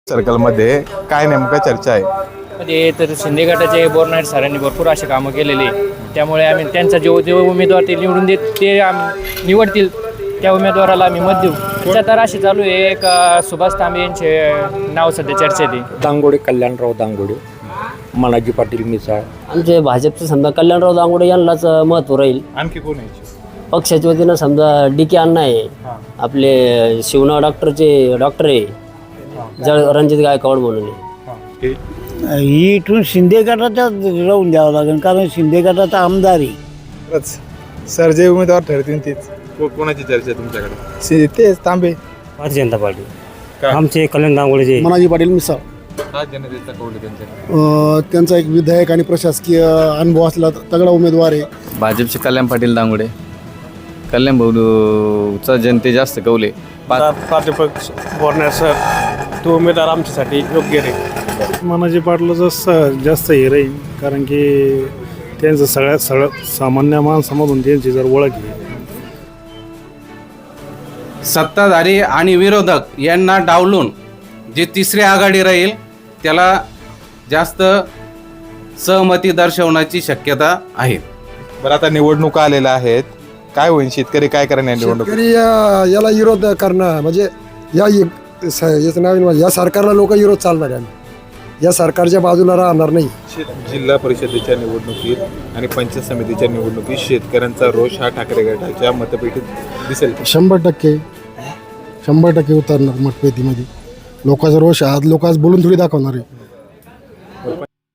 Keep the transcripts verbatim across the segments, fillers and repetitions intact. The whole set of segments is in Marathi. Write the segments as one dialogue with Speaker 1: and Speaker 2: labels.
Speaker 1: सर्कलमध्ये काय नेमकं चर्चा आहे?
Speaker 2: म्हणजे तर शिंदे गटाचे बोरनाईट सरांनी भरपूर असे कामं केलेले, त्यामुळे आम्ही त्यांचा जो जो उमेदवार ते निवडून देत ते आम्ही निवडतील त्या उमेदवाराला आम्ही मत देऊ. सध्या तर अशी चालू आहे, एक अ, सुभाष तांबे यांचे नाव सध्या चर्चेत आहे.
Speaker 3: दांगोडे, कल्याणराव दांगोडे, मनाजी पाटील मिसाळ.
Speaker 4: आमचे भाजपचे समजा कल्याणराव दांगोडे यांनाच महत्त्व राहील.
Speaker 1: आणखी कोण आहे?
Speaker 4: पक्षाच्या वतीनं समजा डी के अण्णा आहे, आपले शिवना डॉक्टरचे डॉक्टर आहे, जळ रणजित गायकवाड म्हणून आहे.
Speaker 5: इथून शिंदे गटाचा राहून द्यावं लागेल, कारण शिंदे गटाचा आमदार आहे.
Speaker 6: सर जे उमेदवार ठरतील तेच.
Speaker 1: को- कोणाची चर्चा आहे तुमच्याकडे?
Speaker 6: तेच तांबे.
Speaker 3: भारतीय जनता पार्टी.
Speaker 1: काय?
Speaker 3: आमचे कल्याण दांगोडेचे.
Speaker 5: मनाजी पाटील मिसाळ.
Speaker 1: हा जनतेचा कौल आहे त्यांच्याकडे.
Speaker 5: त्यांचा एक विधायक आणि प्रशासकीय अनुभव असला तगडा उमेदवार आहे.
Speaker 7: भाजपचे कल्याण पाटील दांगोडे. कल्याण भाऊचा जनते जास्त कौले.
Speaker 8: प्राध्यापक बोरनाईट सर तो उमेदवार आमच्यासाठी योग्य राहील.
Speaker 9: मनाजी पाटलाचं जास्त हे राहील, कारण की त्यांचं सगळ्यात सगळं सामान्य माणसामधून त्यांची जर ओळख आहे.
Speaker 10: सत्ताधारी आणि विरोधक यांना डावलून जी तिसरी आघाडी राहील त्याला जास्त सहमती दर्शवण्याची शक्यता आहे.
Speaker 1: बरं, आता निवडणुका आलेल्या आहेत, काय होईल? शेतकरी काय करणार निवडणूक?
Speaker 5: शेतकरी या- याला विरोध करणं म्हणजे या याचं नाव या सरकारला लोक विरोध चालणार आहे. या सरकारच्या बाजूला राहणार नाही.
Speaker 1: जिल्हा परिषदेच्या निवडणुकीत आणि पंचायत समितीच्या निवडणुकीत शेतकऱ्यांचा रोष हा ठाकरे गटाच्या मतपेटीत दिसेल.
Speaker 5: शंभर टक्के शंभर टक्के उतरणार मतपेटीमध्ये. लोकांचा रोष आज लोक आज बोलून थोडी दाखवणार आहे.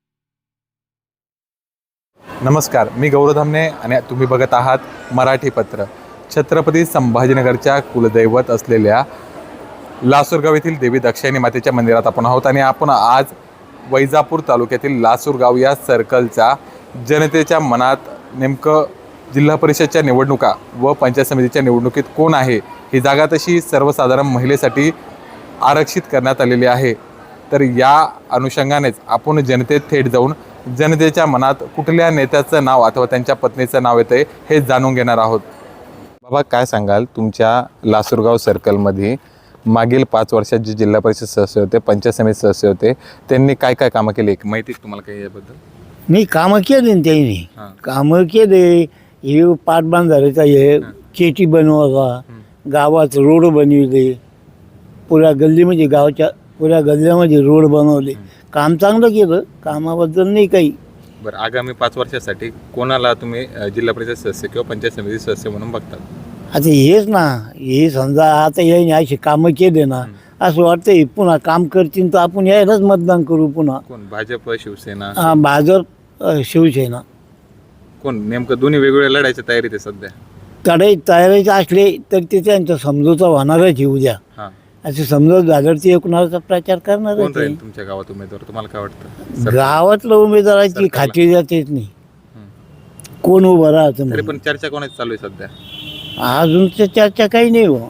Speaker 1: नमस्कार, मी गौरव धामणे आणि तुम्ही बघत आहात मराठी पत्र. छत्रपती संभाजीनगरच्या कुलदैवत असलेल्या लासूरगाव येथील देवी दाक्षायणी मातेच्या मंदिरात आपण आहोत आणि आपण आज वैजापूर तालुक्यातील लासूरगाव या सर्कलचा जनतेच्या मनात नेमकं जिल्हा परिषदच्या निवडणुका व पंचायत समितीच्या निवडणुकीत कोण आहे, ही जागा तशी सर्वसाधारण महिलेसाठी आरक्षित करण्यात आलेली आहे. तर या अनुषंगानेच आपण जनतेत थेट जाऊन जनतेच्या मनात कुठल्या नेत्याचं नाव अथवा त्यांच्या पत्नीचं नाव येतं हे जाणून घेणार आहोत. बाबा, काय सांगाल, तुमच्या लासूरगाव सर्कलमध्ये मागील पाच वर्षात जे जिल्हा परिषद सदस्य होते, पंचायत समिती सदस्य होते, त्यांनी काय काय कामं केली, माहिती आहे तुम्हाला काही याबद्दल?
Speaker 5: नाही, कामं केले ना त्यांनी. कामं केले. हे पाटबंधारेचा हे चेटी बनवायचा, गावात रोड बनविले, पुऱ्या गल्लीमध्ये गावाच्या पुऱ्या गल्ल्यामध्ये रोड बनवले. काम चांगलं केलं, कामाबद्दल नाही काही.
Speaker 1: बरं, आगामी पाच वर्षासाठी कोणाला तुम्ही अ, जिल्हा परिषद सदस्य किंवा पंचायत समिती सदस्य म्हणून बघतात?
Speaker 5: आता हेच ना, हे समजा आता याने अशी कामं केले ना, असं वाटतं पुन्हा काम करतील तर आपण यायलाच मतदान करू पुन्हा.
Speaker 1: कोण? भाजप, शिवसेना?
Speaker 5: हा, भाजप, अ, शिवसेना.
Speaker 1: कोण नेमकं? दोन्ही वेगवेगळ्या लढायच्या तयारीत आहे सध्या.
Speaker 5: तडे तयारीचे असले तर ते त्यांचा समजोता होणारच आहे उद्या.
Speaker 1: हां,
Speaker 5: असं समजत झालं ते कुणाचा प्रचार
Speaker 1: कोण
Speaker 5: करणारच
Speaker 1: राहील
Speaker 5: आहे.
Speaker 1: तुमच्या गावात उमेदवार? तुम्हाला काय वाटतं?
Speaker 5: गावातलं उमेदवाराची खात्री जातेच नाही, कोण उभं राहतं
Speaker 1: तरी
Speaker 5: म्हणून.
Speaker 1: पण चर्चा कोणाची चालू आहे सध्या?
Speaker 5: अजून तर चर्चा काही नाही हो.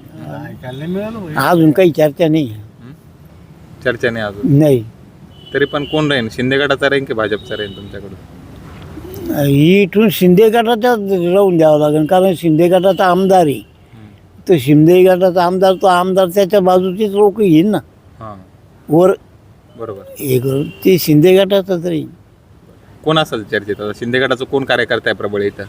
Speaker 5: अजून काही चर्चा नाही.
Speaker 1: चर्चा नाही अजून.
Speaker 5: नाही,
Speaker 1: तरी पण कोण राहील? शिंदे गटाचा राहील की भाजपचा राहील तुमच्याकडून?
Speaker 5: इथून शिंदे गटाचा राहून द्यावं लागेल, कारण शिंदे गटाचा आमदार आहे. तो शिंदे गटाचा आमदार तो आमदार त्याच्या बाजूचीच लोक येईल ना
Speaker 1: हां,
Speaker 5: वर
Speaker 1: बरोबर.
Speaker 5: हे करून. ते शिंदे गटाचाच राहील.
Speaker 1: कोण असेल चर्चेत? आता शिंदे गटाचं कोण कार्यकर्ता आहे प्रबळ इथं?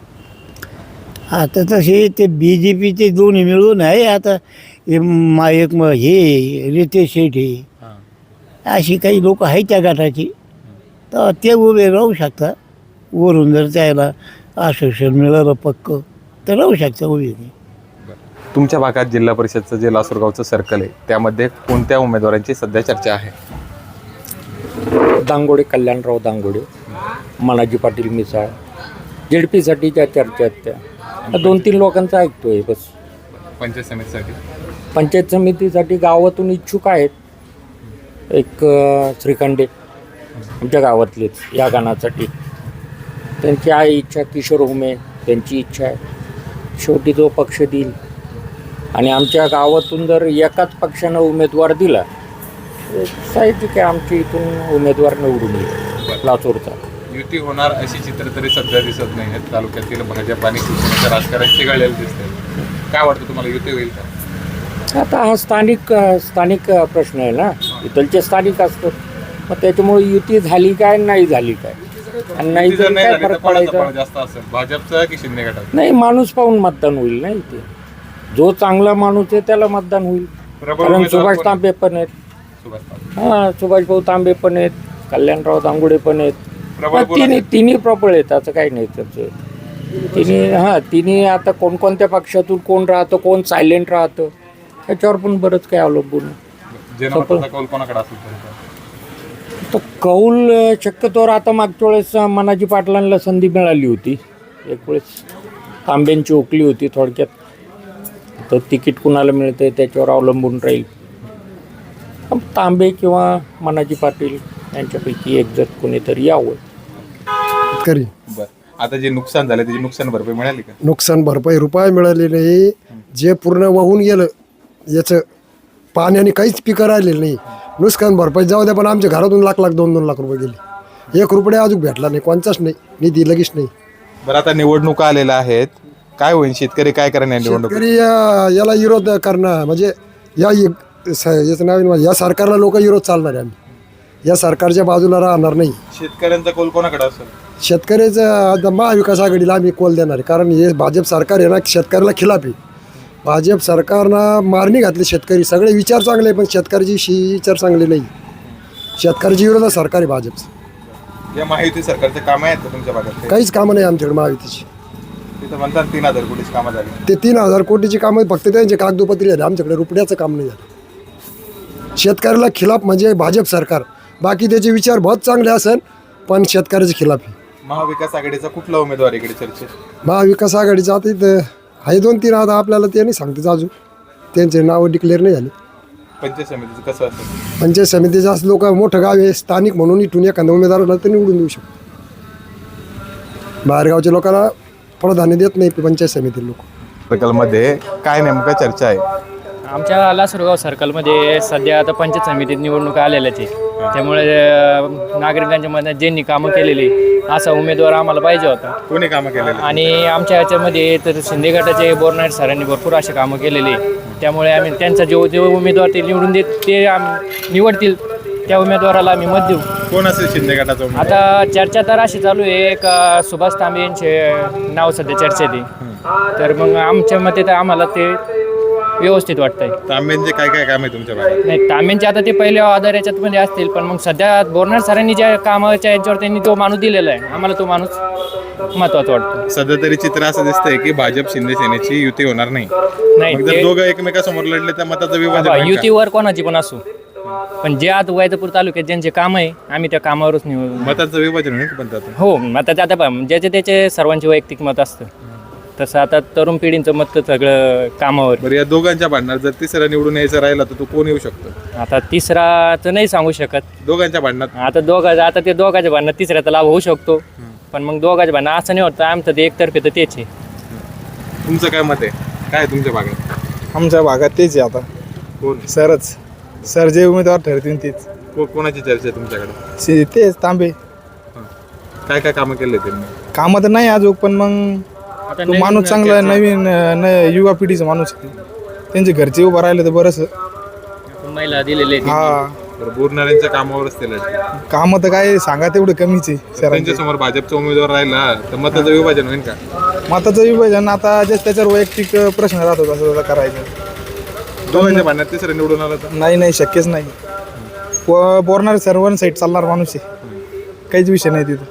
Speaker 5: आता तसे ते बी जे पीचे दोन्ही मिळून आहे. आता हे मा एक म हे रितेश शेठ हे
Speaker 1: हां,
Speaker 5: अशी काही लोक आहेत त्या गटाची, तर ते उभे राहू शकतात. वरून जर त्याला आश्वासन मिळालं पक्क तर राहू शकतं उभे.
Speaker 1: तुमच्या भागात जिल्हा परिषदचं जे लासूरगावचं सर्कल आहे त्यामध्ये कोणत्या उमेदवारांची सध्या चर्चा आहे?
Speaker 3: दांगोडे, कल्याणराव दांगोडे, मनाजी पाटील मिसाळ. जेडपीसाठी त्या चर्चा आहेत त्या दोन तीन लोकांचं ऐकतोय बस.
Speaker 1: पंचायत समितीसाठी?
Speaker 3: पंचायत समितीसाठी गावातून इच्छुक आहेत. एक अ, श्रीखंडे आमच्या गावातलेच या गाण्यासाठी. त्यांची आहे इच्छा. किशोर हुमे त्यांची इच्छा आहे. शेवटी जो पक्ष देईल. आणि आमच्या गावातून जर एकाच पक्षानं उमेदवार दिला साहित्यिक आहे, आमच्या इथून उमेदवार निवडून येईल लातूरचा.
Speaker 1: युती होणार अशी चित्र तरी सध्या दिसत नाही आहेत. तालुक्यातील भाजप आणि शिवसेनेचं राजकारण चिघळलेलं दिसतंय. काय वाटतं तुम्हाला, युती होईल का?
Speaker 3: आता हा स्थानिक स्थानिक प्रश्न आहे ना, इथलचे स्थानिक असतो. मग त्याच्यामुळे युती झाली काय नाही झाली काय, आणि नाही
Speaker 1: जर
Speaker 3: झाली
Speaker 1: नाही
Speaker 3: काय
Speaker 1: झाली तर
Speaker 3: फरक
Speaker 1: कोणाचा
Speaker 3: पडायचा.
Speaker 1: पारडा जास्त असेल, भाजपचा की शिंदे गटाचा?
Speaker 3: नाही, माणूस पाहून मतदान होईल ना इथे. जो चांगला माणूस आहे त्याला मतदान होईल.
Speaker 1: प्रबळ
Speaker 3: कारण
Speaker 1: उमेदवार
Speaker 3: सुभाष
Speaker 1: कोण?
Speaker 3: तांबे पण आहेत,
Speaker 1: सुभाष तांबे.
Speaker 3: हां सुभाषभाऊ तांबे पण आहेत, कल्याणराव दांगुडे पण आहेत.
Speaker 1: प्रबळ
Speaker 3: मग
Speaker 1: कोण
Speaker 3: तिन्ही
Speaker 1: असेल?
Speaker 3: तिन्ही प्रबळ आहेत, असं काही नाही त्याचं. तिन्ही हां तिन्ही आता कोणकोणत्या पक्षातून कोण राहतं, कोण सायलेंट राहतं, त्याच्यावर पण बरंच काही अवलंबून आहे.
Speaker 1: जनमताचा कौल कोणाकडे असेल तुमचा?
Speaker 3: तर कौल अ, शक्यतोवर आता मागच्या वेळेस अ, मनाजी पाटलांना संधी मिळाली होती. एक वेळेस तांब्यांची ओकली होती थोडक्यात. तर तिकीट कुणाला मिळतं त्याच्यावर अवलंबून राहील. पण तांबे किंवा मनाजी पाटील यांच्यापैकी एक जर कोणीतरी यावं.
Speaker 6: करी
Speaker 1: बरं, आता जे नुकसान झालं त्याची नुकसान भरपाई मिळाली का?
Speaker 6: नुकसान भरपाई रुपये मिळाली नाही. जे पूर्ण वाहून गेलं याचं पाण्याने काहीच पिकं राहिलेलं नाही. नुकसान भरपाई जाऊ द्या, पण आमच्या घरातून लाख लाख दोन दोन लाख रुपये गेले. एक रुपये अजून भेटला नाही, कोणताच नाही निधी, लगेच नाही.
Speaker 1: बरं, आता निवडणुका आलेल्या आहेत, काय होईल? शेतकरी काय करणार निवडणूक?
Speaker 6: शेतकरी या- याला विरोध करणं म्हणजे या स- याचं नाव आहे ना, या सरकारला लोक विरोध चालणार आहे. आम्ही या सरकारच्या बाजूला राहणार नाही.
Speaker 1: शेतकऱ्यांचा कौल कोणाकडे असेल?
Speaker 6: शेतकऱ्याचं आता महाविकास आघाडीला आम्ही कोल देणार आहे. कारण हे भाजप सरकार आहे ना, शेतकऱ्याला खिलाफ आहे. भाजप सरकारनं मारणी घातली शेतकरी. सगळे विचार चांगले पण शेतकऱ्याची शी विचार चांगले नाही. शेतकऱ्याच्या विरोधात सरकार आहे भाजपचं.
Speaker 1: या महायुती सरकारचे कामं आहेत का तुमच्या भागात?
Speaker 6: काहीच कामं नाही आमच्याकडे महायुतीची.
Speaker 1: तिथं म्हणतात तीन हजार कोटीची कामं झाली.
Speaker 6: ते तीन हजार कोटीची कामं फक्त त्यांचे कागदोपत्री झाले. आमच्याकडे रुपयाचं काम नाही झालं. शेतकऱ्याला खिलाफ म्हणजे भाजप सरकार. बाकी त्याचे विचार बहुत चांगले असेल पण शेतकऱ्याचे खिलाफ आहे.
Speaker 1: महाविकास आघाडीचा कुठला उमेदवार इकडे चर्चेत?
Speaker 6: महाविकास आघाडीचं आता इथं आहे दोन तीन. आता आपल्याला ते नाही सांगतेच अजून, त्यांचे नावं डिक्लेअर नाही झाले.
Speaker 1: पंचायत समितीचं कसं असेल?
Speaker 6: पंचायत समितीचे असं लोक मोठं गाव आहे, स्थानिक म्हणून इथून एखाद्या उमेदवाराला तर निवडून देऊ शकतो. बाहेरगावच्या लोकांना प्राधान्य देत नाही पंचायत समिती लोक.
Speaker 1: सर्कलमध्ये काय नेमकं चर्चा आहे?
Speaker 2: आमच्या लासुरगाव सर्कलमध्ये सध्या आता पंचायत समितीत निवडणुका आलेल्याच आहे. त्यामुळे अ, नागरिकांच्या मनात ज्यांनी कामं केलेली असा उमेदवार आम्हाला पाहिजे होता.
Speaker 1: कोणी कामं केलेलं?
Speaker 2: आणि आमच्या ह्याच्यामध्ये तर शिंदे गटाचे बोरनाईट सरांनी भरपूर असे कामं केलेली आहे. त्यामुळे आम्ही त्यांचा जो जो उमेदवार ते निवडून देत ते आम- निवडतील त्या उमेदवाराला आम्ही मत देऊ.
Speaker 1: कोण असेल शिंदे गटाचा उमेदवार?
Speaker 2: आता चर्चा तर अशी चालू आहे, एक अ, सुभाष तांबे यांचे नाव सध्या चर्चेत आहे. तर मग आमच्या मते तर आम्हाला ते व्यवस्थित वाटतंय.
Speaker 1: तांब्यांचे काय काय काम आहे तुमच्या भागात?
Speaker 2: नाही, तांब्यांचे आता ते पहिले आधार याच्यातमध्ये असतील, पण मग सध्या बोरनार सरांनी ज्या कामाच्या याच्यावर त्यांनी तो माणूस दिलेला आहे, आम्हाला तो माणूस महत्वाचा वाटतो.
Speaker 1: सध्या तरी चित्र असं दिसतंय की भाजप शिंदे सेनेची युती होणार नाही.
Speaker 2: नाही,
Speaker 1: मग जर
Speaker 2: ते-
Speaker 1: दोघं एकमेकासमोर लढले तर मताचं विभाजन
Speaker 2: बाबा,
Speaker 1: होईल का?
Speaker 2: युतीवर कोणाची पण असो, पण जे आता वैजापूर तालुक्यात ज्यांचे काम आहे आम्ही त्या कामावरच निवडू.
Speaker 1: मताचं विभाजन होईल का पण त्यातून?
Speaker 2: हो, मताचं आता पहा, ज्याचे त्याचे सर्वांचे वैयक्तिक मत असतं, तसं आता तरुण पिढींचं मत तर सगळं कामावर.
Speaker 1: बरं, या दोघांच्या भांडणात जर तिसरा निवडून यायचं राहिला तर तो कोण येऊ शकतो?
Speaker 2: आता तिसरा तर नाही सांगू शकत.
Speaker 1: दोघांच्या भांडणात
Speaker 2: आता दोघा आता ते दोघांच्या भांडणात तिसऱ्याचा लाभ होऊ शकतो, पण मग दोघांच्या भांडणं असं नाही होतं. आमचं ते एकतर्फे तर तेच आहे.
Speaker 1: तुमचं काय मत आहे? काय आहे तुमच्या भागात?
Speaker 6: आमच्या भागात तेच आहे आता.
Speaker 1: कोण
Speaker 6: सरच सर जे उमेदवार ठरतील तेच.
Speaker 1: को- कोणाची चर्चा आहे तुमच्याकडे?
Speaker 6: शे- तेच तांबे.
Speaker 1: काय काय कामं केले त्यांनी?
Speaker 6: कामं तर नाही अजून, पण मग
Speaker 2: आता
Speaker 6: तो
Speaker 2: नवीन
Speaker 6: माणूस चांगला आहे, नवीन न युवा पिढीचा माणूस आहे. त्यांचे घरचे उभं राहिले तर बरंच.
Speaker 2: महिला दिलेले आहेत.
Speaker 6: हा,
Speaker 1: बरं, बोरणाऱ्यांच्या कामावरच ते लढले.
Speaker 6: कामं तर काय सांगा तेवढं कमीच आहे सरांचे.
Speaker 1: त्यांच्या समोर भाजपचा उमेदवार राहिला तर मताचं विभाजन होईल का?
Speaker 6: मताचं विभाजन आता जे त्याच्यावर वैयक्तिक प्रश्न राहतो तसं तसं करायचं.
Speaker 1: दोघांच्या भांडणात तिसरा निवडून आला तर?
Speaker 6: नाही नाही, शक्यच नाही. व- बोरणार सर्वांना साईड चालणार माणूस आहे, काहीच विषय नाही तिथं.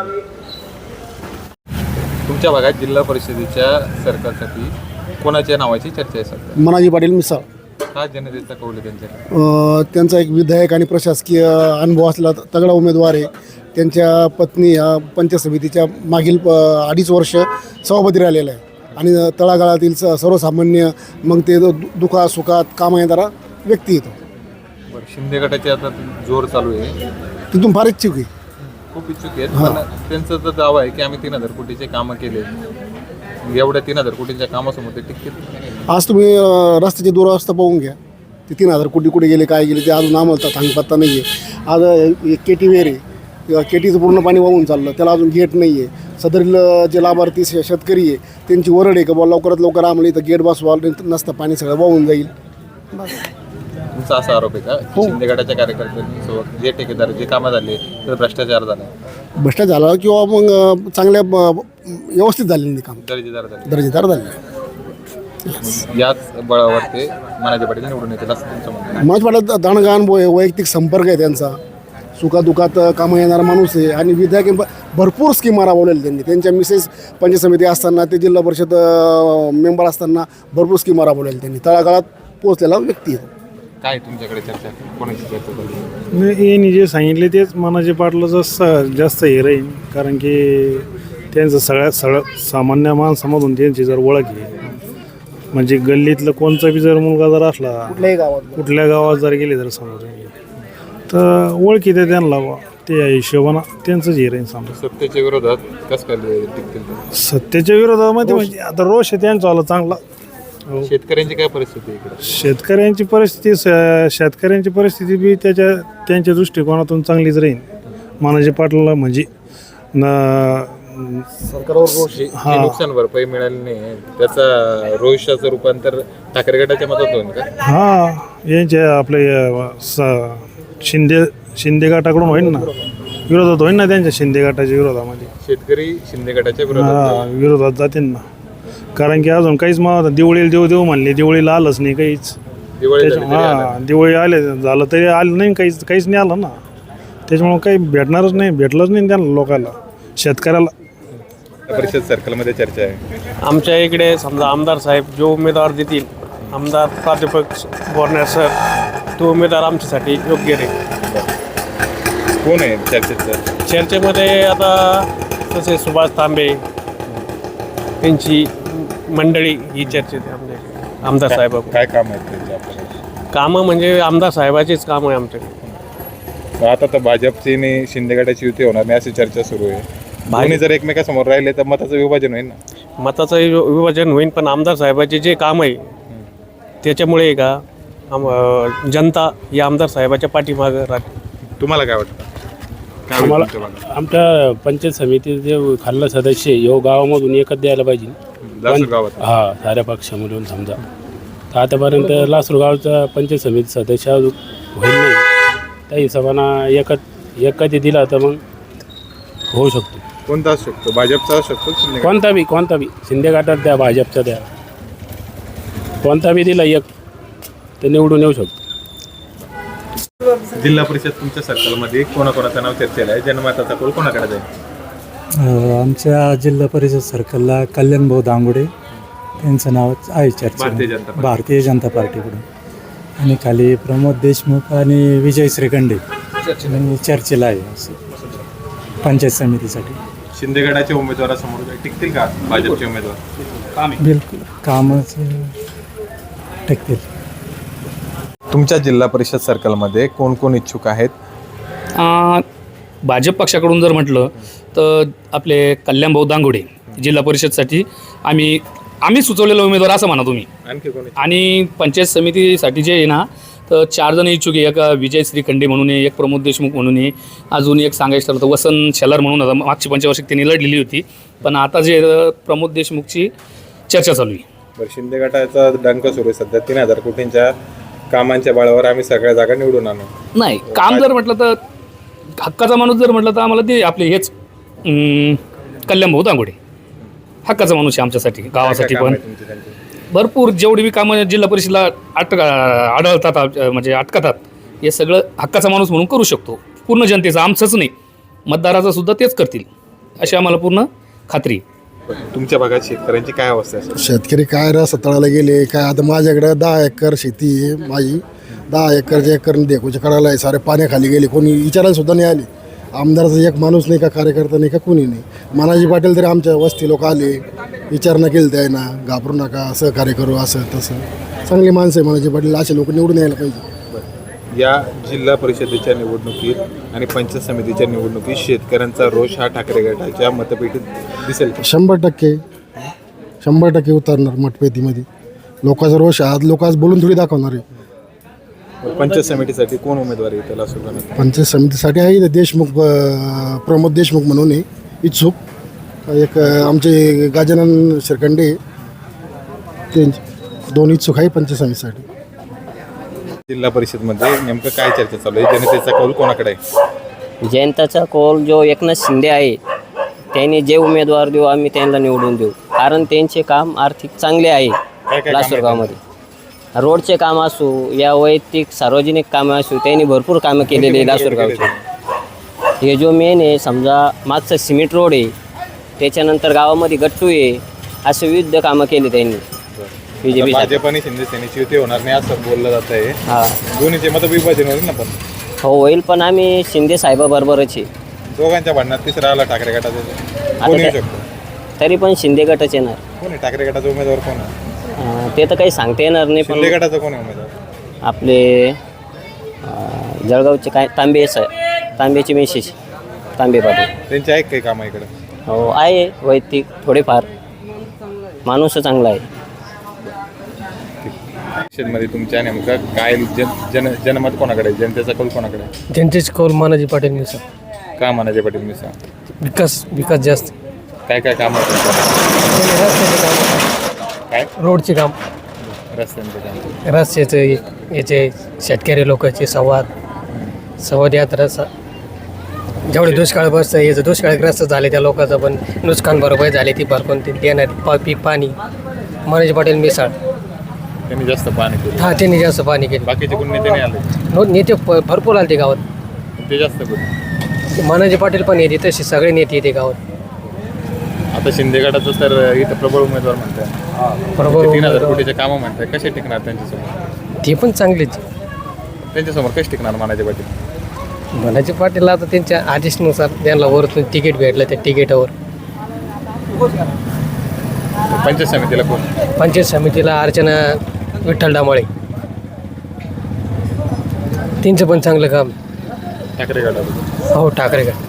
Speaker 1: तुमच्या भागात जिल्हा परिषदेच्या सरकारसाठी कोणाच्या नावाची चर्चा आहे सध्या?
Speaker 5: मनाजी पाटील मिसाळ.
Speaker 1: हा जनतेचा कौल आहे त्यांच्याकडे.
Speaker 5: अ, त्यांचा एक विधायक आणि प्रशासकीय अनुभव असलेला तगडा उमेदवार आहे. त्यांच्या पत्नी ह्या पंचायत समितीच्या मागील प अडीच वर्ष सभापती राहिलेला आहे आणि तळागाळातील स सर्वसामान्य मग ते दु दुखा सुखात कामं येणारा व्यक्ती येतो.
Speaker 1: बरं, शिंदे गटाचे आता जोर चालू आहे,
Speaker 5: तिथून फार इच्छुक आहे.
Speaker 1: खूप इच्छुक आहेत, पण त्यांचा तर दावा आहे की आम्ही तीन हजार कोटीचे कामं केले. मग एवढ्या तीन हजार कोटीच्या कामासमोर ते टिकतील?
Speaker 5: आज तुम्ही अ, रस्त्याची दुरावस्था पाहून घ्या. ते तीन हजार कोटी कुठे गेले काय गेले ते अजून आम्हाला सांगपत्ता नाही आहे. आज के टी वेर आहे, के टीचं पूर्ण पाणी वाहून चाललं, त्याला अजून गेट नाही आहे. सदरील जे लाभार्थी शे- शेतकरी आहे त्यांची ओरड आहे का बुवा लवकरात लवकर आम्हाला इथं गेट बसवा, नसतं पाणी सगळं वाहून जाईल.
Speaker 1: तुमचा असा आरोप आहे का की शिंदे गटाच्या कार्यकर्त्यांसोबत जे ठेकेदार जे कामं झाले तर भ्रष्टाचार झाला,
Speaker 6: भ्रष्टाचार झाला किंवा मग चांगल्या व्यवस्थित झालेली काम
Speaker 1: दर्जेदार झाले,
Speaker 6: दर्जेदार झाले.
Speaker 1: याच बळावर ते मनाजी पाटील निवडून येतील असं तुमचं म्हणणं आहे.
Speaker 6: माझ्या वाटत दाणगाण वैयक्तिक संपर्क आहे त्यांचा, सुखादुखात कामं येणारा माणूस आहे आणि विधायक भरपूर स्कीमा राबवलेल्या त्यांनी. त्यांच्या मिसेस पंचायत समिती असताना ते जिल्हा परिषद मेंबर असताना भरपूर स्कीमा राबवलेल्या त्यांनी. तळागाळात पोहोचलेला व्यक्ती आहे.
Speaker 1: काय तुमच्याकडे चर्चा कोणाची चर्चा झाली?
Speaker 9: नाही, यांनी जे सांगितले तेच मनाचे पाटलाचं स जास्त हे राहील, कारण की त्यांचं सगळ्या सगळं सामान्य माणसामधून त्यांची जर ओळख आहे, म्हणजे गल्लीतलं कोणचा बी जर मुलगा जर असला
Speaker 6: कुठल्याही गावात
Speaker 9: कुठल्या गावात जर गेले जर समोर तर ओळखी ते त्यांना बा ते हिशोबानं त्यांचंच हे राहील समजा.
Speaker 1: सत्तेच्या विरोधात कसं काय टिकतील ते?
Speaker 9: सत्तेच्या विरोधामध्ये म्हणजे आता रोष आहे त्यांचा आला चांगला.
Speaker 1: शेतकऱ्यांची काय परिस्थिती आहे इकडे?
Speaker 9: शेतकऱ्यांची परिस्थिती स- शेतकऱ्यांची परिस्थिती बी त्याच्या त्यांच्या दृष्टिकोनातून चांगलीच राहील. मानाजी पाटलाला म्हणजे न
Speaker 6: सरकारवर रोष
Speaker 1: जे जे नुकसान भरपाई मिळाली नाही त्याचा रोषाचं रूपांतर ठाकरे गटाच्या मतात होईल का?
Speaker 9: हा यांच्या आपले अ, स- शिंदे शिंदे गटाकडून होईल ना, विरोधात होईल ना त्यांच्या शिंदे गटाच्या विरोधामध्ये.
Speaker 1: शेतकरी शिंदे गटाच्या विरोधात
Speaker 9: हा विरोधात जातील ना, कारण की अजून काहीच मग दिवाळीला देऊ देऊ म्हणले, दिवाळीला आलंच नाही काहीच.
Speaker 1: दिवाळी झाली
Speaker 9: त्याच्या-
Speaker 1: तरी आलं
Speaker 9: हा दिवाळी आले झालं तरी आलं नाही, काहीच काहीच नाही आलं ना. त्याच्यामुळं काही भेटणारच नाही, भेटलंच नाही त्यांना लोकांना, शेतकऱ्याला.
Speaker 1: नाही. परिषद सर्कलमध्ये चर्चा आहे.
Speaker 8: आमच्या इकडे समजा आमदार साहेब जो उमेदवार देतील, आमदार प्राध्यापक बोरणार सर, तो उमेदवार आमच्यासाठी योग्य राहील.
Speaker 1: कोण आहे चर्चेत?
Speaker 8: चर्चेमध्ये आता तसे सुभाष तांबे यांची मंडळी ही चर्चेत आहे आमच्या इकडे. आमदार साहेब
Speaker 1: काय काम आहेत त्यांचे आपल्याकडे?
Speaker 8: कामं म्हणजे आमदार साहेबाचीच कामं आहे आमच्याकडे.
Speaker 1: आता तर भाजपची आणि शिंदे गटाची युती होणार नाही अशी चर्चा सुरू आहे. दोन्ही जर एकमेकासमोर राहिले तर मताचं विभाजन होईल ना.
Speaker 8: मताचं वि- विभाजन होईल, पण आमदार साहेबाचे जे काम आहे त्याच्यामुळे का आम अं, जनता या आमदार साहेबाच्या पाठीमागं राहते.
Speaker 1: तुम्हाला काय वाटतं? काय होईल
Speaker 11: आम्हाला
Speaker 1: तुमच्या भागात?
Speaker 11: आमच्या पंचायत समितीचे जे खाल्लं सदस्य यो गावामधून एकच द्यायला पाहिजे.
Speaker 1: लासूर गावात
Speaker 11: हा साऱ्या पक्षामधून समजा तर आतापर्यंत लासूर गावचा पंचायत समिती सदस्य अजून होईल नाही. त्या हिशोबानं एकच एक कधी दिला तर मग होऊ शकतो.
Speaker 1: कोणता असू शकतो? भाजपचा असू शकतो, शिंदे गट?
Speaker 11: कोणता बी कोणता बी शिंदे गटात द्या, भाजपचा द्या, कोणता बी दिला एक तर निवडून येऊ शकतो.
Speaker 1: जिल्हा परिषद तुमच्या सर्कलमध्ये कोणाकोणाचं नाव चर्चेला आहे? जनमताचा कौल कोणाकडे जाईल?
Speaker 12: आमच्या जिल्हा परिषद सर्कलला कल्याणभाऊ दांगुडे त्यांचं नाव आहे चर्चा
Speaker 1: भारतीय जनता पार्टी.
Speaker 12: भारतीय जनता पार्टीकडून, आणि खाली प्रमोद देशमुख आणि विजय श्रीखंडे आणि चर्चेला आहे असं पंचायत समितीसाठी.
Speaker 1: शिंदे गटाच्या उमेदवारासमोर काही टिकतील का भाजपचे उमेदवार?
Speaker 12: बिलकुल कामच टिकतील.
Speaker 1: तुमच्या जिल्हा परिषद सर्कलमध्ये कोण कोण इच्छुक आहेत?
Speaker 2: भाजप पक्षाकडून जर म्हटलं तर आपले कल्याणभाऊ दांगुडे जिल्हा परिषदसाठी आम्ही आम्ही सुचवलेला उमेदवार असं म्हणा तुम्ही.
Speaker 1: आणखी कोण?
Speaker 2: आणि पंचायत समितीसाठी जे आहे ना तर चार जण इच्छुक आहे. एक विजय श्रीखंडे म्हणून आहे, एक प्रमोद देशमुख म्हणून आहे, अजून एक सांगायचं ठरलं तर वसंत शेलार म्हणून होता. मागची पंचवार्षिक त्यांनी लढलेली होती, पण आता जे प्रमोद देशमुखची चर्चा चालू आहे.
Speaker 1: बरं, शिंदे गटाचा डंक सुरू आहे सध्या. तीन हजार कोटींच्या कामांच्या बळावर आम्ही सगळ्या जागा निवडून आणू.
Speaker 2: नाही काम जर म्हटलं तर हक्काचा माणूस जर म्हटलं तर आम्हाला ते आपले हेच अं, कल्याणभाऊ दांगुडे हक्काचा माणूस आहे आमच्यासाठी, गावासाठी
Speaker 1: काय काम
Speaker 2: पण.
Speaker 1: आहे तुमची त्यांची?
Speaker 2: भरपूर जेवढी बी कामं जिल्हा परिषदेला अटक आढळतात अ, म्हणजे अटकतात, हे सगळं हक्काचा माणूस म्हणून करू शकतो. पूर्ण जनतेचं, आमचंच नाही, मतदाराचं सुद्धा तेच करतील अशी आम्हाला पूर्ण खात्री आहे.
Speaker 1: तुमच्या भागात शेतकऱ्यांची काय अवस्था आहे?
Speaker 6: शेतकरी काय रस तळाला गेले काय. आता माझ्याकडे दहा एकर शेती आहे माझी, दहा एकरच्या एकर देखूच्या कडाला आहे, सारे पाण्याखाली गेले, कोणी विचारायला सुद्धा नाही आले. आमदाराचा एक माणूस नाही का, कार्यकर्ता नाही का, कोणी नाही. मनाजी पाटील तरी आमच्या वस्ती लोक आले, विचारणा केली त्यांना, घाबरू नका, सहकार्य करू, असं तसं. चांगली माणसं आहे मनाजी पाटील, असे लोक निवडून यायला पाहिजे.
Speaker 1: या जिल्हा परिषदेच्या निवडणुकीत आणि पंचायत समितीच्या निवडणुकीत शेतकऱ्यांचा रोष हा ठाकरे गटाच्या मतपेटीत दिसेल का?
Speaker 6: शंभर टक्के शंभर टक्के उतरणार मतपेतीमध्ये. लोकांचा रोष आज लोक आज बोलून थोडी दाखवणार आहे.
Speaker 1: पंचायत समितीसाठी कोण उमेदवार आहे त्याला सुरू करण्यात?
Speaker 6: पंचायत समितीसाठी आहे देशमुख, अं, प्रमोद देशमुख म्हणून आहे इच्छुक. एक अं, आमचे गजानन श्रीखंडे, ते दोन इच्छुक आहे पंचायत समितीसाठी.
Speaker 1: जिल्हा परिषदमध्ये नेमकं काय चर्चा चालू आहे? जनतेचा कौल कोणाकडे आहे?
Speaker 4: जयंताचा कौल जो एकनाथ शिंदे आहे त्यांनी जे उमेदवार देऊ आम्ही त्यांना निवडून देऊ, कारण त्यांचे काम आर्थिक चांगले आहे.
Speaker 1: काय काय
Speaker 4: लासूर
Speaker 1: कामं
Speaker 4: गावामध्ये रोडचे काम असो या वैयक्तिक सार्वजनिक कामं असो त्यांनी भरपूर कामं केलेली आहे लासूर गावचे. हे जो मेन आहे समजा मागचं सिमेंट रोड आहे, त्याच्यानंतर गावामध्ये गट्टू आहे, असे विविध कामं केली त्यांनी. बी जे
Speaker 1: आता
Speaker 4: पी
Speaker 1: भाजप आणि शिंदे सेनेची युती होणार नाही असं बोललं जात आहे.
Speaker 4: हां
Speaker 1: दोन्हीचे मतविभाजन होईल ना, पण
Speaker 4: हो होईल, पण आम्ही शिंदे साहेबाबरोबरच आहे.
Speaker 1: दोघांच्या भांडणात तिसरा आला ठाकरे गटाचा, कोण येऊ
Speaker 4: त्या-
Speaker 1: शकतो?
Speaker 4: तरी पण शिंदे गटच येणार.
Speaker 1: कोण आहे ठाकरे गटाचा उमेदवार? कोण आहे?
Speaker 4: अं, ते तर काही सांगता येणार नाही,
Speaker 1: शिंदे
Speaker 4: पण
Speaker 1: गटाचा कोण आहे उमेदवार?
Speaker 4: आपले अं, जळगावचे काय तांबे स तांब्याचे मेसेज तांबे पाटील
Speaker 1: त्यांचे आहे काही कामं इकडे?
Speaker 4: हो आहे वैयक्तिक थोडेफार, माणूस चांगला आहे.
Speaker 1: परिषदमध्ये तुमच्या नेमकं काय जन जन जनमत कोणाकडे आहे? जनतेचा कौल कोणाकडे आहे?
Speaker 2: जनतेचे कौल मानाजी पाटील मिसा.
Speaker 1: का म्हणाजे पाटील मी सांग,
Speaker 2: विकास विकास जास्त.
Speaker 1: काय काय काम
Speaker 2: रस्त्याचे काम,
Speaker 1: काय
Speaker 2: रोडचे काम,
Speaker 1: रस्त्यांचं काम?
Speaker 2: रस्त्याचे याचे शेतकरी लोकांचे संवाद संवाद यात्रा स- जेवढे दुष्काळग्रस्त याचं दुष्काळग्रस्त झाले त्या लोकांचं पण नुकसान भरपाई झाली ती भरपूर ती देणार पा पीक पाणी. मानाजी पाटील मिसाळ
Speaker 1: त्यांनी जास्त पाणी केलं.
Speaker 2: हा त्यांनी जास्त पाणी केलं.
Speaker 1: बाकीचे कोण नेते नाही आले,
Speaker 2: नो नेते प- भरपूर आले ते गावात.
Speaker 1: ते जास्त करून.
Speaker 2: मानाजी पाटील पण येते तसे सगळे नेते येते गावात.
Speaker 1: आता शिंदे गटाचं तर इथं प्रबळ उमेदवार म्हणतात,
Speaker 2: बरोबर
Speaker 1: तीन हजार कोटीचे कामं म्हणतात. कसे टिकणार त्यांच्यासमोर?
Speaker 2: ते पण चांगलेच.
Speaker 1: त्यांच्यासमोर कसे टिकणार मानाचे पाटील?
Speaker 2: मानाजी पाटील आता त्यांच्या आदेशनुसार त्यांना वरतून तिकीट भेटलं त्या तिकीटावर.
Speaker 1: पंचायत समितीला कोण?
Speaker 2: पंचायत समितीला अर्चना विठ्ठल डामाळे, त्यांचं पण चांगलं काम.
Speaker 1: ठाकरे गटाचं?
Speaker 2: हो ठाकरे गट.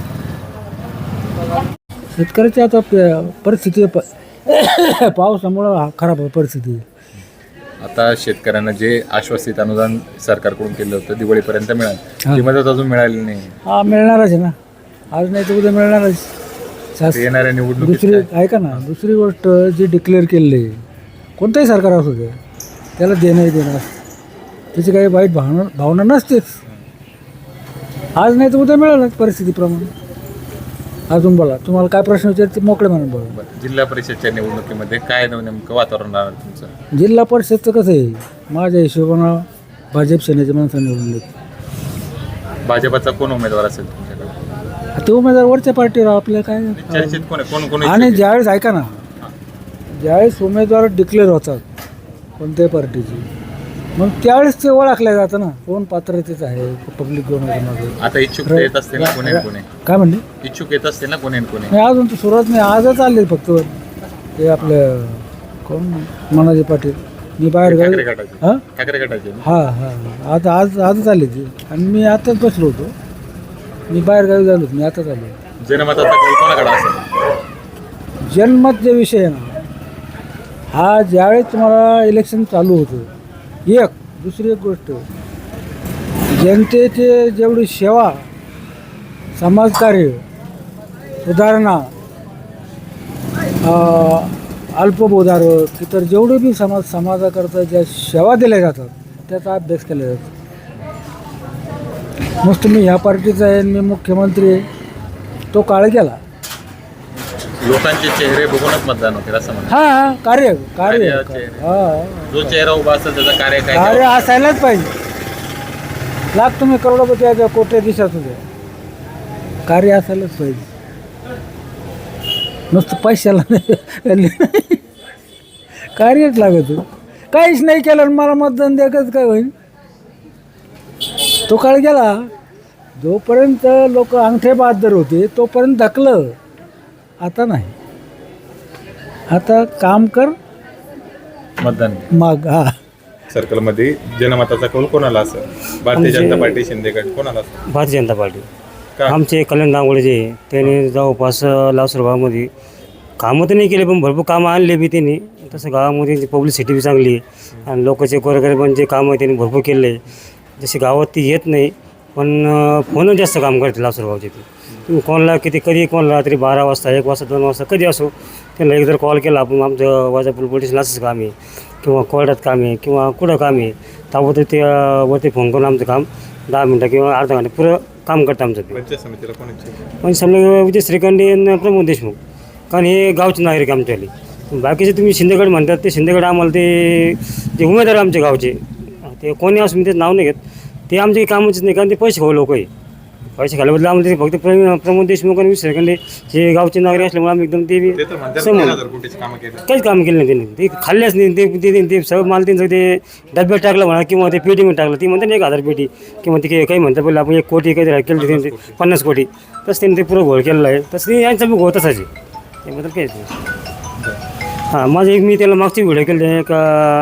Speaker 12: शेतकऱ्याची आता परिस्थिती पावसामुळं खराब आहे परिस्थिती.
Speaker 1: आता शेतकऱ्यांना जे आश्वासित अनुदान सरकारकडून केलं होतं दिवाळीपर्यंत मिळालं, ती मदत अजून मिळाली नाही.
Speaker 12: हा मिळणारच आहे ना, आज नाही तर उद्या मिळणारच. शास-
Speaker 1: ते येणाऱ्या निवडणुकीत
Speaker 12: दुसरी
Speaker 1: काय?
Speaker 12: ऐका ना, दुसरी गोष्ट जी डिक्लेअर केलेली आहे कोणताही सरकार असू दे त्याला देणंही देणार, त्याची काही वाईट भावना भावना नसतेच. आज नाही तर उद्या मिळालंच परिस्थितीप्रमाणे. अजून बोला, तुम्हाला काय प्रश्न विचारते मोकळे म्हणून बोला.
Speaker 1: बरं, जिल्हा परिषदच्या निवडणुकीमध्ये काय नेमकं वातावरण राहणार तुमचं?
Speaker 12: जिल्हा परिषदचं कसं आहे, माझ्या हिशोबानं भाजप सेनेच्या माणसांनी निवडून देत.
Speaker 1: भाजपचा कोण उमेदवार असेल तुमच्याकडे?
Speaker 12: ते उमेदवार वरच्या पार्टीवर आपल्या काय.
Speaker 1: चर्चेत कोण आहे? कोण कोण
Speaker 12: आणि
Speaker 1: इच्छुक
Speaker 12: ज्यावेळेस ऐका ना, ज्यावेळेस उमेदवार डिक्लेअर होतात कोणत्याही पार्टीची, मग त्यावेळेस ते ओळखल्या जातं ना कोण पात्रतेचं आहे पब्लिक कोण आहे कोणाचं.
Speaker 1: आहे? आता इच्छुक तर येत असतील ना कोणी कोणी?
Speaker 12: काय म्हणले
Speaker 1: इच्छुक येत असतील ना कोणी कोणी?
Speaker 12: नाही अजून तर सुरुवात नाही, आजच आले फक्त ते आपलं कोण मनाजी पाटील. मी बाहेर
Speaker 1: ठाकरे
Speaker 12: गावी
Speaker 1: गटाचे?
Speaker 12: हां
Speaker 1: ठाकरे गटाचे ना?
Speaker 12: हां हां आता आज आजच आले ते, आणि मी आताच बसलो होतो, मी बाहेर गावी झालो मी आताच आलो.
Speaker 1: जनमताचा कौल कोणाकडे असेल?
Speaker 12: जन्मत जे विषय आहे ना, हा ज्यावेळेस तुम्हाला इलेक्शन चालू होतं, एक दुसरी एक गोष्ट जनतेचे जेवढी सेवा समाजकार्य सुधारणा अं, अल्पबोधारक इतर जेवढे बी समाज समाजाकरता ज्या सेवा दिल्या जातात त्याचा अभ्यास केला जातो. नुसतं मी ह्या पार्टीचा आहे मी मुख्यमंत्री आहे तो काळ गेला.
Speaker 1: लोकांचे चेहरे बघूनच मतदान होते असं म्हणा.
Speaker 12: हां हां कार्य कार्य
Speaker 1: कार्य, चेहरे.
Speaker 12: हां
Speaker 1: जो चेहरा उभा असेल त्याचा कार्य काय
Speaker 12: कार्य
Speaker 1: त्यावर-
Speaker 12: असायलाच पाहिजे. लाख तुम्ही करोडपती आहे कोट्या दिवसात होते, कार्य असायलाच पाहिजे. नुसतं पैशाला नाही कार्यच लागत. काहीच नाही केलं आणि मला मतदान द्यायचं काय होईल. तो काळ गेला. जोपर्यंत लोक अंगठे बहादर होते तोपर्यंत धकलं, आता नाही. आता काम कर
Speaker 1: मतदान
Speaker 12: माग. हा
Speaker 1: सर्कलमध्ये जनमताचा कौल कोणाला असेल? भारतीय जनता पार्टी, शिंदे गट, कोणाला असेल?
Speaker 11: भारतीय जनता पार्टी.
Speaker 1: का?
Speaker 11: आमचे कल्याण दांगोळे जे आहे, त्याने जवळपास लासूर गावामध्ये कामं तर नाही केले पण भरपूर कामं आणले बी त्यांनी. तसं गावामध्ये पब्लिसिटी बी चांगली आहे आणि लोकांचे गोरगरिबांचे कामं आहे त्यांनी भरपूर केले आहे. जसे गावात ती येत नाही पण फोन जास्त काम करते लासूर गावचे. ते तुम्ही कोणाला किती कधी कोणाला रात्री बारा वाजता एक वाजता दोन वाजता कधी असो त्यांना एक जर कॉल केला आपण आमचं वाजापूर पोलीस असंच काम आहे किंवा कोर्टात काम आहे किंवा कुठं काम आहे ताबडतोब ते अं, वरती फोन करून आमचं काम दहा मिनटं किंवा अर्धा घंटा पुरं काम करतं आमचं ते.
Speaker 1: पंचायत समितीला कोण इच्छुक आहे?
Speaker 11: म्हणजे समजा विजय श्रीखंडे आणि प्रमोद देशमुख, कारण हे गावचे नागरिक आमच्यावाले. बाकीचे तुम्ही शिंदेगड म्हणतात ते शिंदेगड आम्हाला ते जे उमेदवार आहे आमच्या गावचे ते कोणी असं मी त्याचं नाव नाही घेत, ते आमचे कामाचेच नाही, कारण ते पैसे खाऊ लोक आहे. पैसे खाल्याबद्दल आम्हाला ते फक्त प्र प्रमोद देशमुख आणि विजय श्रीखंडे हे गावचे नागरिक असल्यामुळे आम्ही एकदम ते
Speaker 1: ते तर म्हणतात
Speaker 11: समोर
Speaker 1: तीन हजार कोटीची कामं केली.
Speaker 11: काहीच काम केलं नाही त्यांनी. ते खाल्ल्याच नाही. ते ते ते सगळं माल त्यांचं ते डब्यात टाकलं म्हणा किंवा ते पेटीमध्ये टाकलं. ती म्हणतात ना एक हजार पेटी किंवा ते काही म्हणतात पहिले आपण एक कोटी काहीतरी केलं त्यांनी पन्नास कोटी तसं त्यांनी ते पुरं घोळ केलेलं आहे. तसं ते यांचं बी घोळ तसाच आहे. त्याबद्दल काहीच नाही. हां माझं एक मी त्याला मागची व्हिडिओ केले एक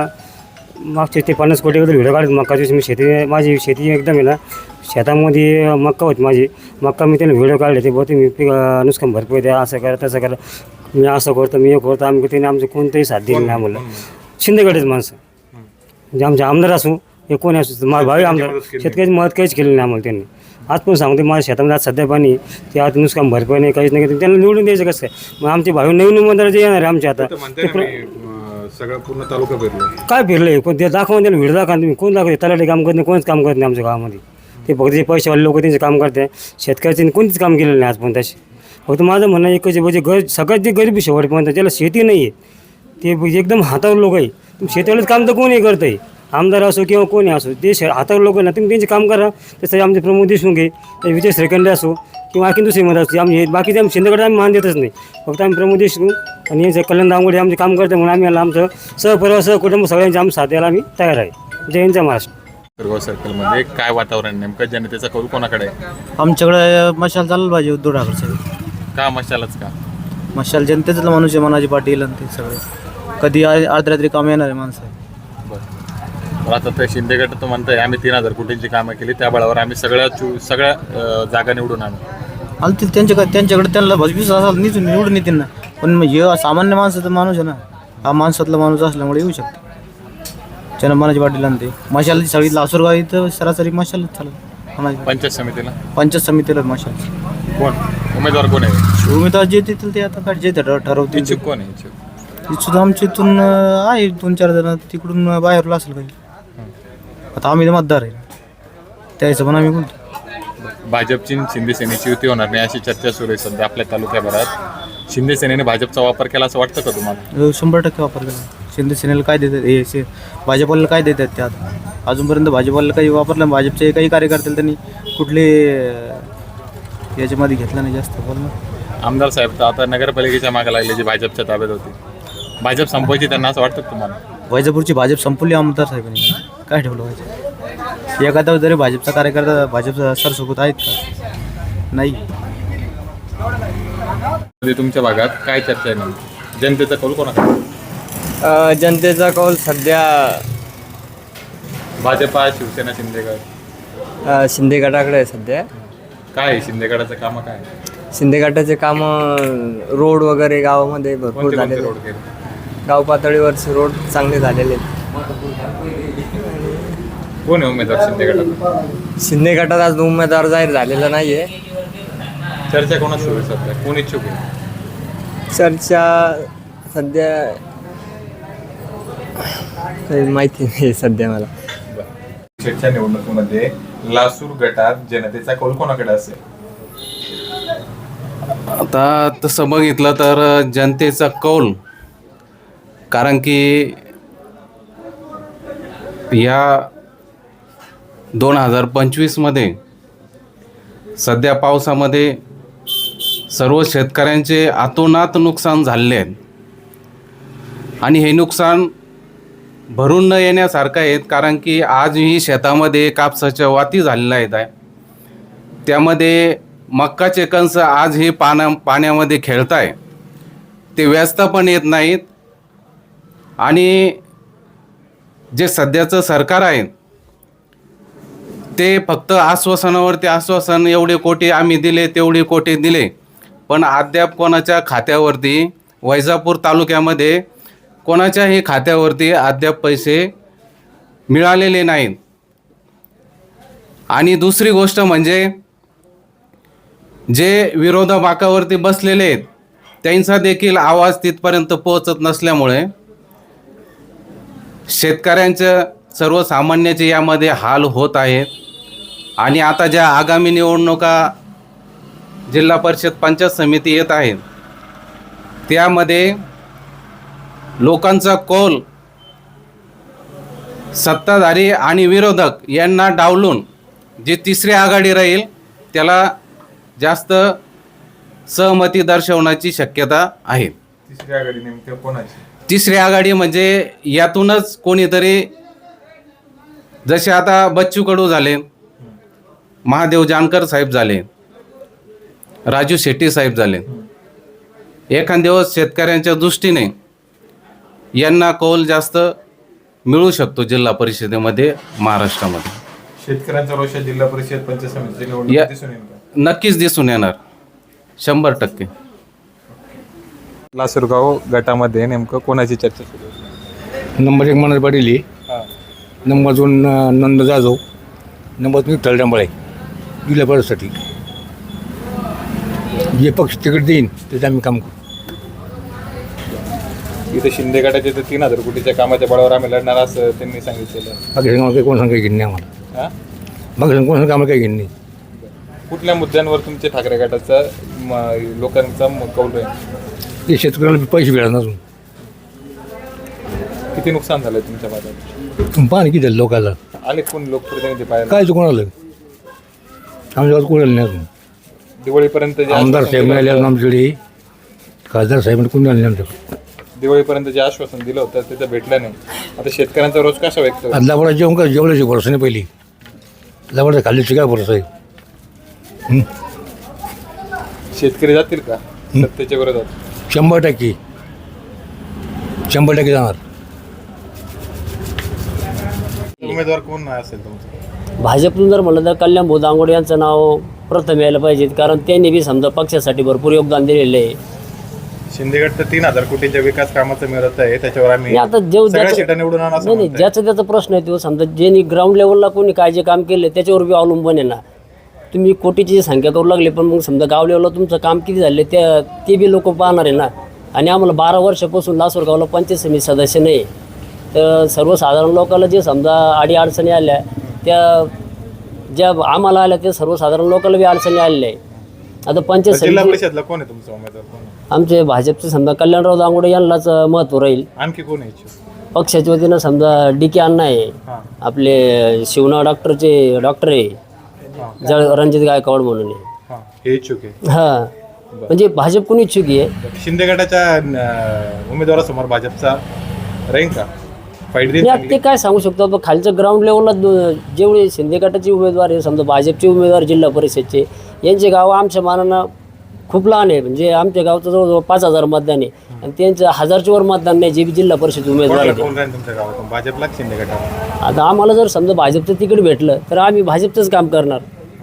Speaker 11: मागचे ते पन्नास कोटीबद्दल व्हिडिओ काढत मक्काची. मी शेती माझी शेती एकदम आहे ना शेतामध्ये मक्का होती माझी. मक्का मी त्याला व्हिडिओ काढले ते बहुते मी पीक नुकसान भरपूर द्या असं करा तसं करा मी असं करतो मी हे करतो आम्ही त्याने आमचं कोणतंही साथ दिलं नाही आम्हाला. शिंदेगडच माणसं म्हणजे आमचे आमदार असू हे कोणी असू माझा भावी आमदार शेतकऱ्याची मदत काहीच केली नाही आम्हाला त्यांनी. आज पण सांगते माझ्या शेतामध्ये आज सध्या पाणी ते आज नुकसान भरपाई नाही काहीच नाही त्यांना निवडून द्यायचं कसं काय. मग आमचे भावी नवीन उमेदवार जे येणार आहे आमच्या आता ते
Speaker 1: सगळं पूर्ण तालुका फिरलो.
Speaker 11: काय फिरलं कोण ते दाखवा त्याला व्हिडिओ दाखवा तुम्ही कोण दाखवते तलाठी काम करत नाही कोणच काम करत नाही आमच्या गावामध्ये. ते फक्त जे पैसेवाले लोक त्यांचे काम करते शेतकऱ्याचे कोणतेच काम केलेलं नाही आजपर्यंत तसे. फक्त माझं म्हणणं एकच आहे म्हणजे गर सगळ्यात जे गरीब शेवटपर्यंत ज्याला शेती नाही आहे ते एकदम हातावर लोक आहे. तुम्ही शेतीवालेच काम तर कोणी करत आहे आमदार असो किंवा कोणी असो ते शे हातावर लोक ना तुम्ही त्यांचे काम करा. तसं आमचे प्रमोद देशमुख आहे विजय श्रीखंडे असो किंवा आणखी दुसरी मदत असते आम्ही बाकीचे आम्ही शिंदेकडे आम्ही मान देतच नाही. फक्त आम्ही प्रमोद देशमुख आणि यांचे कल्याण दांगोडे आमचे काम करते म्हणून आम्ही याला आमचं सहपरिवार सहकुटुंब सगळ्यांचे आम्ही साथ द्यायला आम्ही तयार आहे. जय हिंद जय महाराष्ट्र.
Speaker 1: शिरगाव सर्कलमध्ये काय वातावरण नेमकं जनतेचा कौल कोणाकडे आहे?
Speaker 13: आमच्याकडे मशाल चाललं पाहिजे उद्धव ठाकरे साहेब.
Speaker 1: का मशालच का?
Speaker 13: मशाल जनतेचं माणूस आहे मनाची पाटील आणि ते सगळे कधी अर्धरात्री काम येणार आहे माणसं.
Speaker 1: बरं आता ते शिंदे गट तो म्हणताय आम्ही तीन हजार कोटींची कामं केली त्या बळावर आम्ही सगळ्या चू सगळ्या अं, जागा निवडून आणू.
Speaker 13: आणि ते त्यांच्याकडे त्यांच्याकडे त्यांना भजबीस असाल निवडून निवडून येतील ना. पण मग हे सामान्य माणसाचा माणूस आहे ना हा माणसातला माणूस असल्यामुळे येऊ शकतो. त्यानं मनाची पाटील आणि ते मशाल सगळी लासूरगाव इथं सरासरी मशालच चालत.
Speaker 1: पंचायत समितीला
Speaker 13: पंचायत समितीला मशाल
Speaker 1: कोण उमेदवार कोण आहे?
Speaker 13: उमेदवार जे देतील ते आता काय जे ठरवतील.
Speaker 1: इच्छुक कोण आहे? इच्छुक
Speaker 13: सुद्धा आमच्या इथून आहे दोन चार जण तिकडून बाहेरला असेल काही. आता आम्ही मतदार आहे त्या हिशोबाने आम्ही बोलतो.
Speaker 1: भाजपची शिंदे सेनेची युती होणार नाही अशी चर्चा सुरू आहे सध्या आपल्या तालुक्याभरात. शिंदे सेनेने भाजपचा वापर केला असं वाटतं का तुम्हाला?
Speaker 13: शंभर टक्के वापर केला. शिंदे सेनेला काय देतात हे शे भाजपला काय देतात ते आता अजूनपर्यंत भाजपला काही वापरलं भाजपचे काही कार्यकर्ते त्यांनी कुठले याच्यामध्ये घेतलं नाही जास्त बोल ना.
Speaker 1: आमदार साहेब तर आता नगरपालिकेच्या मागे लागले जी भाजपच्या ताब्यात होती भाजप संपवायची त्यांना असं वाटतं तुम्हाला?
Speaker 13: वैजापूरची भाजप संपवली आमदार साहेबांनी काय ठेवलं पाहिजे. एखादा जरी भाजपचा कार्यकर्ता भाजपचा सरसोबत आहेत का? नाही.
Speaker 1: तुमच्या भागात काय चर्चा आहे नेमकी जनतेचा कौल कोणाकडे?
Speaker 4: जनतेचा कौल सध्या
Speaker 1: भाजपा शिवसेना शिंदेगड
Speaker 4: शिंदे गटाकडे आहे सध्या.
Speaker 1: काय आहे शिंदेगडाचं कामं काय?
Speaker 4: शिंदे गटाचे कामं रोड वगैरे गावामध्ये भरपूर
Speaker 1: कोणते कोणते
Speaker 4: झालेले
Speaker 1: रोड केले?
Speaker 4: गाव पातळीवरचे रोड चांगले झालेले आहेत.
Speaker 1: कोण आहे उमेदवार शिंदे गटात?
Speaker 4: शिंदे गटात आज उमेदवार जाहीर झालेला नाही आहे.
Speaker 1: चर्चा कोणाच सुरू आहे सध्या? कोण इच्छुक आहे?
Speaker 4: चर्चा सध्या काही माहिती नाही सध्या मला.
Speaker 1: शेतच्या निवडणुकीमध्ये लासूर गटात जनतेचा कौल कोणाकडे असेल?
Speaker 10: आता तसं बघितलं तर जनतेचा कौल कारण की या दोन हजार पंचवीसमध्ये सध्या पावसामध्ये सर्व शेतकऱ्यांचे अतोनात नुकसान झाले आहेत आणि हे नुकसान भरून न येण्यासारखं आहेत कारण की आजही शेतामध्ये कापसाच्या वाती झालेल्या आहेत आहे त्यामध्ये मक्काचे कंस आजही पाण्या पाण्यामध्ये खेळत आहे ते व्यस्त पण येत नाहीत आणि जे सध्याचं सरकार आहे ते फक्त आश्वासनावरती आश्वासन एवढे कोटी आम्ही दिले तेवढे कोटी दिले पण अद्याप कोणाच्या खात्यावरती वैजापूर तालुक्यामध्ये कोणाच्याही खात्यावरती अद्याप पैसे मिळालेले नाहीत. आणि दुसरी गोष्ट म्हणजे जे विरोधा बाकावरती बसलेले आहेत त्यांचा देखील आवाज तिथपर्यंत पोहोचत नसल्यामुळे शेतकऱ्यांचं सर्वसामान्याचे यामध्ये हाल होत आहेत. आणि आता ज्या आगामी निवडणुका जिल्हा परिषद पंचायत समिती येत आहेत त्यामध्ये लोकांचा कौल सत्ताधारी आणि विरोधक यांना डावलून जी तिसरी आघाडी राहील त्याला जास्त सहमती दर्शवण्याची शक्यता आहे.
Speaker 1: तिसरी आघाडी नेमक्या कोणाची?
Speaker 10: तिसरी आघाडी म्हणजे यातूनच कोणीतरी, जसे आता बच्चू कडू झाले, महादेव जानकर साहेब झाले, राजू शेट्टी साहेब झाले, एखाद दिवस शेतकऱ्यांच्या दृष्टीने यांना कौल जास्त मिळू शकतो जिल्हा परिषदेमध्ये महाराष्ट्रामध्ये.
Speaker 1: शेतकऱ्यांचा रोष जिल्हा परिषद पंचायत समितीची
Speaker 10: या-
Speaker 1: निवडणूक दिसून येईल का?
Speaker 10: नक्कीच दिसून येणार, शंभर टक्के.
Speaker 1: लासूरगाव गटामध्ये नेमकं कोणाची चर्चा सुरू आहे?
Speaker 3: नंबर एक मनोज पाटील आहे.
Speaker 1: हां.
Speaker 3: नंबर दोन अ, नंद जाधव. नंबर तीन तळडांबळे जिल्हा परिषदसाठी. जे पक्ष तिकीट देईन त्याचं आम्ही काम करू.
Speaker 1: इथे शिंदे गटाचे तर तीन हजार कोटीच्या कामाच्या बळावर आम्ही लढणार असं त्यांनी सांगितलेलं आहे.
Speaker 3: बाकी सांगा काही कोण सांगा काही घेणे नाही आम्हाला.
Speaker 1: हां?
Speaker 3: बाकी सांगा कोण सांगा आम्हाला काही घेणे नाही.
Speaker 1: कुठल्या मुद्द्यांवर तुमचे ठाकरे गटाचा म- लोकांचा म- कौल राहील?
Speaker 3: ते शेतकऱ्याला पैसे मिळाले नसून
Speaker 1: किती नुकसान झालं तुमच्या भागात?
Speaker 3: तुम्ही पाहा किती झालं लोकांना.
Speaker 1: आले कोण लोकप्रतिनिधी पाहिजे?
Speaker 3: काय कोण आलं आमच्या गावात कोण आलं नाही अजून.
Speaker 1: दिवाळीपर्यंत जे
Speaker 3: आमदार
Speaker 1: आश्वासन
Speaker 3: साहेब
Speaker 1: दिलं
Speaker 3: मिळाले
Speaker 1: होतं-
Speaker 3: आमच्याकडे. खासदार साहेब कोणी आले नाही आमच्याकडे.
Speaker 1: दिवाळीपर्यंत जे आश्वासन दिलं होतं ते तर भेटलं नाही. आता शेतकऱ्यांचा रोज कसा व्यक्त होतो?
Speaker 3: लावडा जेवण का जेवणाची भरोसा नाही पहिली. लावडा खाल्लीची काय भरोसा आहे. हं?
Speaker 1: शेतकरी जातील का सत्तेच्या विरोधात?
Speaker 3: शंभर टक्के शंभर टक्के जाणार.
Speaker 1: उमेदवार कोण असेल तुमचा?
Speaker 4: भाजपतून जर म्हणलं तर कल्याण भाऊ दांगोडे यांचं नाव प्रथम यायला पाहिजे, कारण त्यांनी बी समजा पक्षासाठी भरपूर योगदान दिलेलं आहे.
Speaker 1: शिंदेगड तर तीन हजार कोटींच्या विकास कामाचं मिळत आहे, त्याच्यावर आम्ही
Speaker 4: आणि आता जेव
Speaker 1: सगळ्या
Speaker 4: ज्याचं-
Speaker 1: सीटा निवडून आणा असं
Speaker 4: नाही नाही
Speaker 1: म्हणताय.
Speaker 4: ज्याचा त्याचा प्रश्न आहे तो समजा ज्यांनी ग्राउंड लेवलला कोणी काय जे काम केलं त्याच्यावर बी अवलंबून आहे ना. तुम्ही कोटीची संख्या करू लागली पण मग समजा गाव लेवलला तुमचं काम किती झाले त्या ते बी लोक पाहणार आहे ना. आणि आम्हाला बारा वर्षापासून लासूरगावला पंचायत समिती सदस्य नाही, तर सर्वसाधारण लोकांना जे समजा अडी अडचणी आल्या त्या ज्या आम्हाला आल्या त्या सर्वसाधारण लोकांना बी अडचणी आलेल्या आहे. आता पंचायत
Speaker 1: जिल्हा
Speaker 4: समिती
Speaker 1: परिषदला कोण आहे तुमचा उमेदवार? कोण आहे?
Speaker 4: आमचे भाजपचे समजा कल्याणराव दांगोडे यांनाच महत्त्व राहील.
Speaker 1: आणखी कोण आहे इच्छुक?
Speaker 4: पक्षाच्या वतीनं समजा डी के अण्णा आहे,
Speaker 1: हां.
Speaker 4: आपले शिवना डॉक्टरचे डॉक्टर आहे, जळ रणजित गायकवाड म्हणून आहे.
Speaker 1: हां, हे इच्छुक आहे.
Speaker 4: हां म्हणजे भाजप कोणी इच्छुक आहे.
Speaker 1: शिंदे गटाच्या अं, उमेदवारासमोर भाजपचा राहील का फाईट देईल
Speaker 4: मी
Speaker 1: चांगली?
Speaker 4: आता ते काय सांगू शकतो आता खालच्या ग्राउंड लेवलला दो- जेवढे शिंदे गटाचे उमेदवार आहे समजा भाजपचे उमेदवार जिल्हा परिषदचे यांचे गाव आमच्या मानानं खूप लहान आहे. म्हणजे आमच्या गावचं जवळजवळ पाच हजार मतदान आहे आणि त्यांचं हजारच्या वर मतदान नाही जे बी जिल्हा परिषद उमेदवार
Speaker 1: कोणाला
Speaker 4: आहे.
Speaker 1: कोण राहील तुमच्या गावातून, भाजपला की शिंदे गटाला?
Speaker 4: आता आम्हाला जर समजा भाजपचं तिकीट भेटलं तर आम्ही भाजपचंच काम करणार.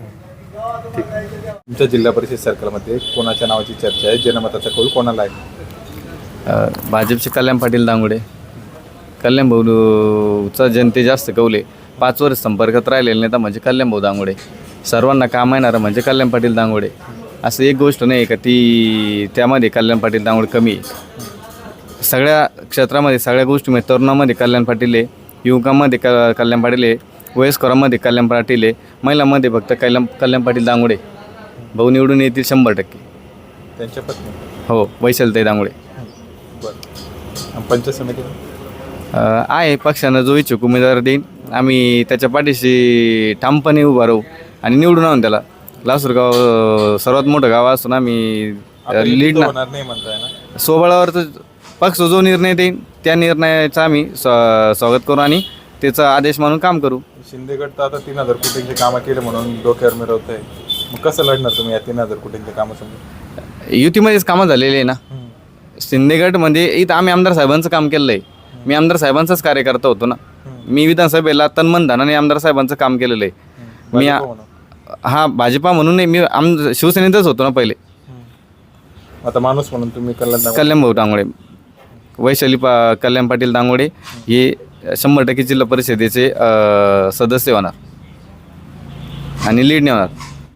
Speaker 1: तुमच्या जिल्हा परिषद सर्कलमध्ये कोणाच्या नावाची चर्चा आहे? जनमताचा कौल कोणाला आहे?
Speaker 7: अ, भाजपचे कल्याण पाटील दांगोडे. कल्याण भाऊचा जनते जास्त कौले. पाच वर्ष संपर्कात राहिलेले नेता म्हणजे कल्याण भाऊ दांगोडे. सर्वांना काम येणारं म्हणजे कल्याण पाटील दांगोडे. असं एक गोष्ट नाही का ती त्यामध्ये कल्याण पाटील दांगोडे कमी आहे. सगळ्या क्षेत्रामध्ये सगळ्या गोष्टीमध्ये तरुणामध्ये कल्याण पाटील आहे, युवकांमध्ये क कल्याण पाटील आहे, वयस्करांमध्ये कल्याण पाटील आहे, महिलांमध्ये फक्त कल्याण कल्याण पाटील दांगोडे. भाऊ निवडून येतील शंभर टक्के.
Speaker 1: त्यांच्या पत्नी?
Speaker 7: हो, वैशालताई दांगोडे.
Speaker 1: बरं. पंचायत समिती
Speaker 7: अ, आहे पक्षानं जो इच्छुक उमेदवार देईन आम्ही त्याच्या पाठीशी ठामपणे उभा राहू आणि निवडून आणून त्याला. लासूरगाव अ, सर्वात मोठं गाव असून आम्ही
Speaker 1: आता
Speaker 7: लीड
Speaker 1: युती
Speaker 7: ना
Speaker 1: होणार नाही म्हणताय ना?
Speaker 7: स्वबळावर तर पक्ष जो निर्णय देईन त्या निर्णयाचा आम्ही स्वा स्वागत करू आणि त्याचा आदेश मानून काम करू.
Speaker 1: शिंदेगड तर आता तीन हजार कोटींचे कामं केले म्हणून डोक्यावर मिळवत आहे. मग कसं लढणार तुम्ही या तीन हजार कोटींचे कामं समजा?
Speaker 7: युतीमध्येच कामं झालेली आहे ना. शिंदेगडमध्ये इथं आम्ही आमदार साहेबांचं काम केलं आहे. मी आमदार साहेबांचाच कार्यकर्ता होतो ना. मी विधानसभेला तन्मन धनाने आमदार साहेबांचं काम केलेलं आहे. मी
Speaker 1: भाजप म्हणून.
Speaker 7: हा भाजपा म्हणून नाही, मी आम शिवसेनेतच होतो ना पहिले.
Speaker 1: आता माणूस म्हणून तुम्ही कल्याण
Speaker 7: कल्याण भाऊ दांगोडे, वैशाली पा कल्याण पाटील दांगोडे हे शंभर टक्के जिल्हा परिषदेचे अ, सदस्य होणार आणि लीड होणार.